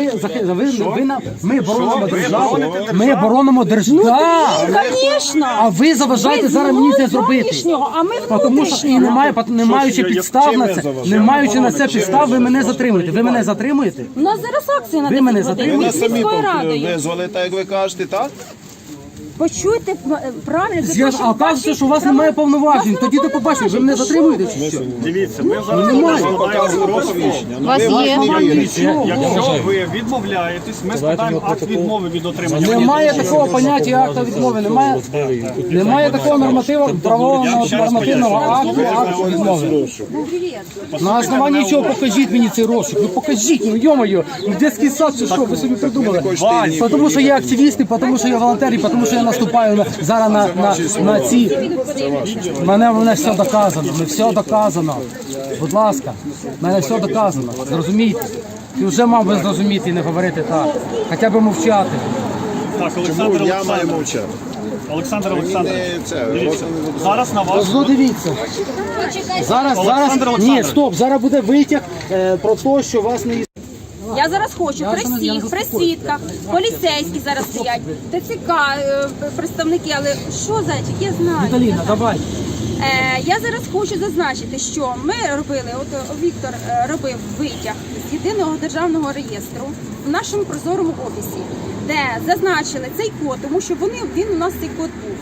[SPEAKER 1] ми боронимо
[SPEAKER 9] Ви
[SPEAKER 1] державу.
[SPEAKER 9] бороните
[SPEAKER 1] Ми боронимо державу.
[SPEAKER 6] Звісно.
[SPEAKER 1] А ви заважаєте зараз мені це зробити.
[SPEAKER 6] Зовнішнього, а ми
[SPEAKER 1] Тому що і
[SPEAKER 6] внутрішнього.
[SPEAKER 1] не маючи підстав на це, не маючи на це підстав, ви мене затримуєте. Ви мене затримуєте?
[SPEAKER 6] У нас зараз акція на
[SPEAKER 1] Ви
[SPEAKER 6] 10
[SPEAKER 1] мене
[SPEAKER 6] годин.
[SPEAKER 1] затримуєте?
[SPEAKER 6] Ми
[SPEAKER 8] Ви
[SPEAKER 6] з
[SPEAKER 8] нас самі
[SPEAKER 6] міською радою.
[SPEAKER 8] визвали, так як ви кажете, так?
[SPEAKER 6] Почуйте правильно.
[SPEAKER 1] А оказується, що у вас немає повноважень. Тоді до побачення. Ви мене затримуєте чи що?
[SPEAKER 9] Дивіться, ми зараз
[SPEAKER 1] немає.
[SPEAKER 9] складаємо протокол.
[SPEAKER 8] Посвідчення.
[SPEAKER 2] У вас є?
[SPEAKER 9] Якщо ви відмовляєтесь, ми складаємо акт відмови від отримання.
[SPEAKER 1] Немає такого поняття акта відмови. Немає такого правового нормативного акту відмови. На основанні чого покажіть мені цей розшук? Ну покажіть, ну йо-моє, ну дитячий сад чи що, ви собі придумали? Тому що я активіст, тому що я волонтер, і тому що я наступаю зараз на ці... Мене все доказано, все доказано. Будь ласка, мене все доказано, зрозумійте. Ти вже мав би зрозуміти і не говорити так, хоча б мовчати.
[SPEAKER 9] Так,
[SPEAKER 8] Чому
[SPEAKER 9] Олександр
[SPEAKER 8] я маю
[SPEAKER 9] Олександрович.
[SPEAKER 8] мовчати?
[SPEAKER 9] Олександр Олександрович.
[SPEAKER 8] Це,
[SPEAKER 9] Дивіться, зараз на вас.
[SPEAKER 1] Ну дивіться. Зараз,
[SPEAKER 9] Олександр
[SPEAKER 1] ні,
[SPEAKER 9] Олександрович.
[SPEAKER 1] стоп, зараз буде витяг про те, що вас не...
[SPEAKER 6] Я зараз хочу при
[SPEAKER 1] я не
[SPEAKER 6] всіх, при свідках, поліцейські зараз стоять, ТЦК, представники, але що, зайчик, я знаю.
[SPEAKER 1] Віталіна, давай.
[SPEAKER 6] Я зараз хочу зазначити, що ми робили, от Віктор робив витяг з єдиного державного реєстру в нашому прозорому офісі, де зазначили цей код, тому що він у нас цей код був.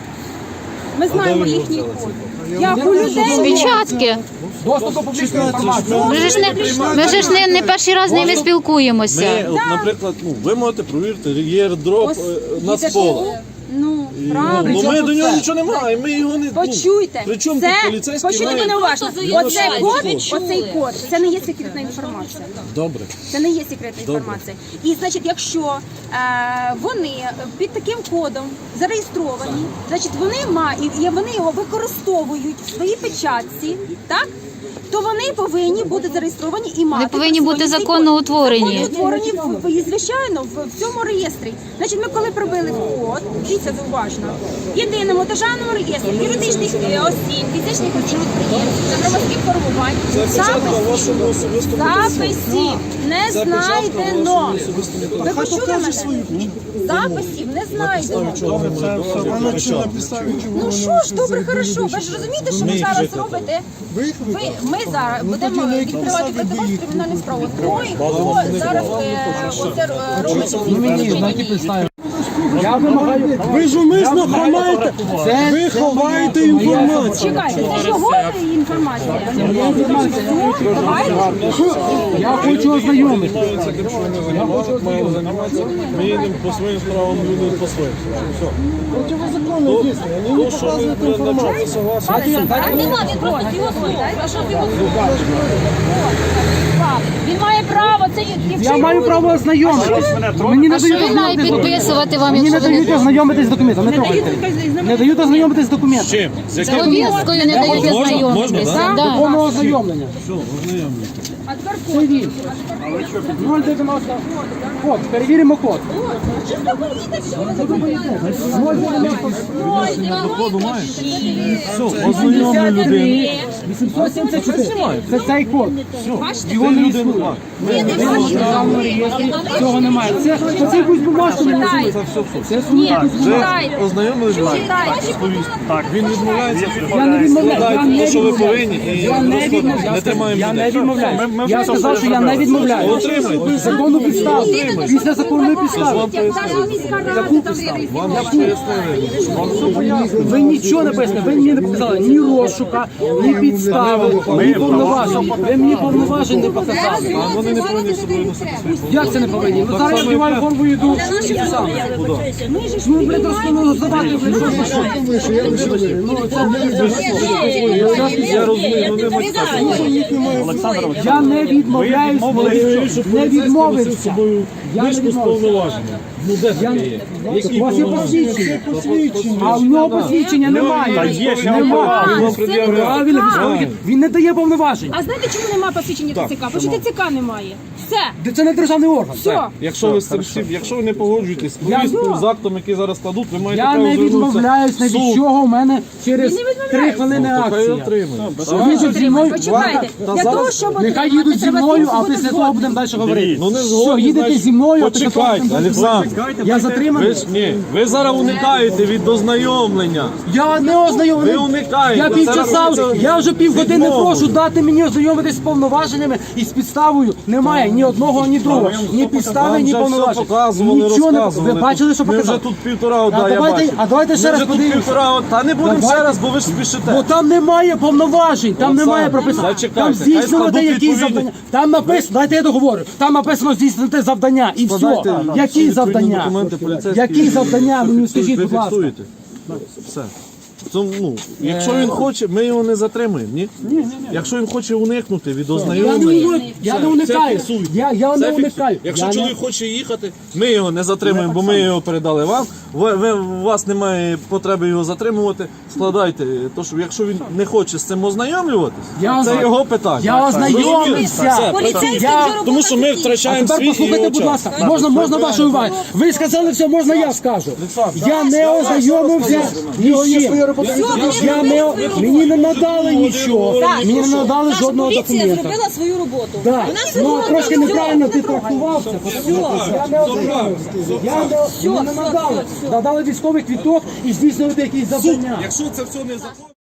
[SPEAKER 6] Ми знаємо їхній код. Як у людей
[SPEAKER 2] Печатки.
[SPEAKER 1] Доступ до публічної інформації.
[SPEAKER 2] Ми ж не перший раз з ними спілкуємося.
[SPEAKER 5] Наприклад, ви можете провірити єрдроп
[SPEAKER 6] Ось,
[SPEAKER 5] на
[SPEAKER 6] їдеш
[SPEAKER 5] споло.
[SPEAKER 6] Ну,
[SPEAKER 5] Ну,
[SPEAKER 6] правильно.
[SPEAKER 5] ми до нього нічого не маємо, ми його не...
[SPEAKER 6] Почуйте,
[SPEAKER 5] при чому
[SPEAKER 6] це,
[SPEAKER 5] тут поліцейський
[SPEAKER 6] почуйте
[SPEAKER 5] має-
[SPEAKER 6] мене уважно. Оцей
[SPEAKER 5] що?
[SPEAKER 6] код, це не є секретна інформація.
[SPEAKER 5] Добре.
[SPEAKER 6] Це не є секретна інформація. І значить, якщо вони під таким кодом зареєстровані, значить вони вони його використовують в своїй печатці, так? То вони повинні бути зареєстровані і мати.
[SPEAKER 2] Вони повинні бути
[SPEAKER 6] присвоєний
[SPEAKER 2] законно
[SPEAKER 6] код.
[SPEAKER 2] утворені.
[SPEAKER 6] Законно утворені, звичайно, в цьому реєстрі. Значить, ми коли пробили код, дивіться уважно, в єдиному державному реєстрі юридичних осіб, фізичних осіб підприємств, громадських формувань, записів не знайдено. Ви почули мене? Записів не знайдено. Ну що ж, добре, хорошо. Ви ж розумієте, що ви зараз робите? Ми зараз будемо відкривати проти вас кримінальну справу. Той, хто зараз оце робить.
[SPEAKER 1] Я вимагаю.
[SPEAKER 8] Ви ж умисно ховаєте, ви ховаєте інформацію.
[SPEAKER 6] Чекайте, це ж його інформація.
[SPEAKER 1] Я хочу ознайомитися.
[SPEAKER 5] Ми їдемо по своїм справам, люди по своїм справам. Все.
[SPEAKER 8] Противозаконно дійсно, вони не показують інформацію.
[SPEAKER 6] А нема, він просто його слухає. А що з його слухає? Він має право, це
[SPEAKER 1] Я маю право ознайомитись. Мені не
[SPEAKER 2] А що
[SPEAKER 1] дають
[SPEAKER 2] він має
[SPEAKER 1] ознайомитись.
[SPEAKER 2] підписувати вам,
[SPEAKER 1] Мені не
[SPEAKER 2] якщо ви
[SPEAKER 1] дають
[SPEAKER 2] не
[SPEAKER 1] ознайомитись з документами. Не трогайте. Не дають ознайомитись з документами.
[SPEAKER 5] Чим?
[SPEAKER 2] з повісткою не дають ознайомитись? Да.
[SPEAKER 1] Повного ознайомлення.
[SPEAKER 6] А тепер
[SPEAKER 1] Це він. 090. Код. Перевіримо код.
[SPEAKER 6] чисто поїдете, що ви
[SPEAKER 1] Ознайомлю людину. 874. Це цей код. Його не існує. Державному реєстрі цього немає. Це якусь бумажку не можуть. Це
[SPEAKER 5] Ознайомились з вами? Так, він відмовляється.
[SPEAKER 1] Я не відмовляю. Я
[SPEAKER 5] Складайте
[SPEAKER 1] не
[SPEAKER 5] те, що ви
[SPEAKER 1] відмовляю.
[SPEAKER 5] повинні, і
[SPEAKER 1] Я не відмовляю.
[SPEAKER 5] не тримаємо
[SPEAKER 1] Я не
[SPEAKER 5] людей.
[SPEAKER 1] відмовляю. Я сказав, що я не відмовляю.
[SPEAKER 5] Отримайте.
[SPEAKER 1] Законну підставу. Після законної підстави.
[SPEAKER 5] Вам пояснили.
[SPEAKER 1] Ви нічого не пояснили. Ви мені не показали ні розшука, ні підстави, ні повноважень. Ви мені повноважень не показали.
[SPEAKER 5] А вони не повинні з собою носити свої
[SPEAKER 1] Як це не повинні? Ну зараз я вдіваю форму і йду. Ну, блядь, розказувати, блядь, що
[SPEAKER 5] Я розумію, ну не можна.
[SPEAKER 1] я не відмовляюсь, не відмовився. Я не відмовився.
[SPEAKER 5] Повноваження. Ну де таке є?
[SPEAKER 1] У вас є посвідчення, а в нього посвідчення немає. Немає. Правильно, він не дає повноважень.
[SPEAKER 6] А знаєте, чому немає посвідчення ТЦК? Бо що ТЦК немає. Все.
[SPEAKER 1] Це не державний орган.
[SPEAKER 6] Все.
[SPEAKER 5] Якщо ви з цим всім, якщо ви не погоджуєтесь з повісткою, з актом, який зараз складуть, ви маєте
[SPEAKER 1] Я
[SPEAKER 5] право
[SPEAKER 1] не
[SPEAKER 5] звернутися
[SPEAKER 1] відмовляюсь ні
[SPEAKER 5] в суд.
[SPEAKER 1] від чого. У мене через 3 хвилини
[SPEAKER 5] Хай
[SPEAKER 1] акція.
[SPEAKER 5] отримає.
[SPEAKER 1] Їдуть зі мною.
[SPEAKER 6] Почекайте. Для того, щоб
[SPEAKER 1] Нехай їдуть зі мною, а після того будемо далі говорити.
[SPEAKER 5] Ну не
[SPEAKER 1] Все,
[SPEAKER 5] згодні,
[SPEAKER 1] їдете
[SPEAKER 5] значить,
[SPEAKER 1] зі мною, а після того
[SPEAKER 5] почекайте,
[SPEAKER 1] будемо
[SPEAKER 5] Олександр.
[SPEAKER 1] Я
[SPEAKER 5] Ви
[SPEAKER 1] затриманий.
[SPEAKER 5] ж ні, ви зараз уникаєте від ознайомлення.
[SPEAKER 1] Я не ознайомлений.
[SPEAKER 5] Ви уникаєте.
[SPEAKER 1] Я півчаса,
[SPEAKER 5] Це
[SPEAKER 1] я вже півгодини
[SPEAKER 5] відмовою.
[SPEAKER 1] прошу дати мені ознайомитись з повноваженнями і з підставою. Немає ні одного, ні другого. Ні підстави,
[SPEAKER 5] Вам
[SPEAKER 1] ні
[SPEAKER 5] вже все
[SPEAKER 1] повноважень.
[SPEAKER 5] показували,
[SPEAKER 1] Нічого не
[SPEAKER 5] розказували.
[SPEAKER 1] ви бачили, що
[SPEAKER 5] Ми
[SPEAKER 1] показали?
[SPEAKER 5] вже тут півтора одна, я
[SPEAKER 1] давайте-
[SPEAKER 5] бачу.
[SPEAKER 1] а давайте ще
[SPEAKER 5] Ми
[SPEAKER 1] раз
[SPEAKER 5] вже тут
[SPEAKER 1] подивимося.
[SPEAKER 5] півтора одна. Та не будемо
[SPEAKER 1] Давайте.
[SPEAKER 5] ще раз, бо ви ж спішите.
[SPEAKER 1] Бо там немає повноважень, там
[SPEAKER 5] Олександр,
[SPEAKER 1] немає прописано.
[SPEAKER 5] зачекайте,
[SPEAKER 1] Там
[SPEAKER 5] хай
[SPEAKER 1] здійснювати
[SPEAKER 5] складуть
[SPEAKER 1] якісь
[SPEAKER 5] відповідні-
[SPEAKER 1] завдання. Там написано, дайте я договорю. Там написано здійснити завдання і все.
[SPEAKER 5] Складайте
[SPEAKER 1] Які
[SPEAKER 5] відповідні
[SPEAKER 1] завдання?
[SPEAKER 5] документи поліцейські.
[SPEAKER 1] Які завдання? Мені скажіть,
[SPEAKER 5] Ви
[SPEAKER 1] будь ласка.
[SPEAKER 5] фіксуєте. Все. Ну, якщо він хоче, ми його не затримуємо, ні? Якщо він хоче уникнути від ознайомлення,
[SPEAKER 1] Я не уникаю. Я не уникаю.
[SPEAKER 5] Якщо
[SPEAKER 1] Я не-
[SPEAKER 5] чоловік хоче їхати, ми його не затримуємо, бо ми його передали вам. У вас немає потреби його затримувати. Складайте, то що якщо він не хоче з цим ознайомлюватись, це його питання.
[SPEAKER 1] Я ознайомився.
[SPEAKER 5] Тому що ми
[SPEAKER 1] А
[SPEAKER 5] втрачаємо
[SPEAKER 1] тепер
[SPEAKER 5] свій і
[SPEAKER 1] послухайте,
[SPEAKER 5] його
[SPEAKER 1] будь
[SPEAKER 5] час.
[SPEAKER 1] ласка, можна вашої уваги. Ви сказали все, можна я скажу. Я не ознайомився ні з чим. Мені не надали нічого. Мені не надали жодного документа.
[SPEAKER 6] зробила свою роботу.
[SPEAKER 1] Так, ну трошки неправильно ти трактував це. Я не ознайомився. Мені не надали. Надали військовий квіток і здійснювати якісь завдання.
[SPEAKER 5] Якщо це все не закон.